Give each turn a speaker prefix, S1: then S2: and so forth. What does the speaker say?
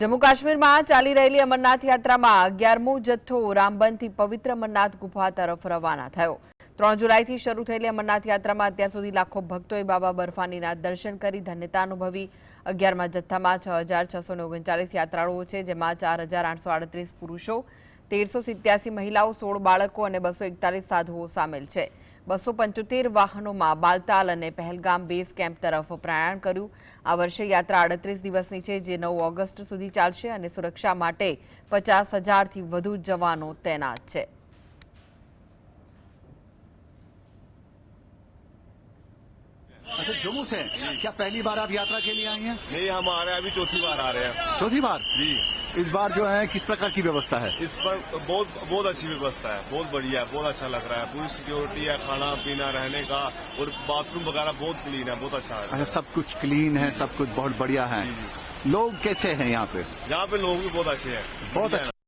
S1: जम्मू काश्मीर में चाली रहेली अमरनाथ यात्रा में 11मो जत्थो रामबन पवित्र अमरनाथ गुफा तरफ रवाना थयो। 3 जुलाई थी शुरू थयेली अमरनाथ यात्रा में अत्यार सुधी लाखों भक्तों बाबा बर्फानीना दर्शन करी धन्यता अनुभवी। 11मा जत्थामां 6639 यात्राळुओ छे, जेमां 4838 पुरुषों, 1387 महिलाओं, 16 बाळको और 241 साधुओं सामेल छे। 275 वाहनों में बालताल और पहलगाम बेस केम्प तरफ प्रयाण कर्યું। आ वर्षे यात्रा 38 दिवसनी छे, जे 9 ऑगस्ट सुधी चालशे और सुरक्षा माटे 50,000 थी वधु जवानों तैनात छे।
S2: अच्छा, जम्मू से क्या पहली बार आप यात्रा के लिए आई हैं?
S3: नहीं, हम आ रहे हैं, अभी चौथी बार आ रहे हैं।
S2: चौथी बार
S3: जी।
S2: इस बार जो है किस प्रकार की व्यवस्था है?
S3: इस पर बहुत अच्छी व्यवस्था है, बहुत बढ़िया है, बहुत अच्छा लग रहा है। पूरी सिक्योरिटी है, खाना पीना रहने का और बाथरूम वगैरह बहुत क्लीन है, बहुत अच्छा है।
S2: अच्छा, सब कुछ क्लीन है, सब कुछ बहुत बढ़िया है। लोग कैसे हैं यहाँ पे?
S3: यहाँ पे लोग भी बहुत अच्छे हैं,
S2: बहुत अच्छे।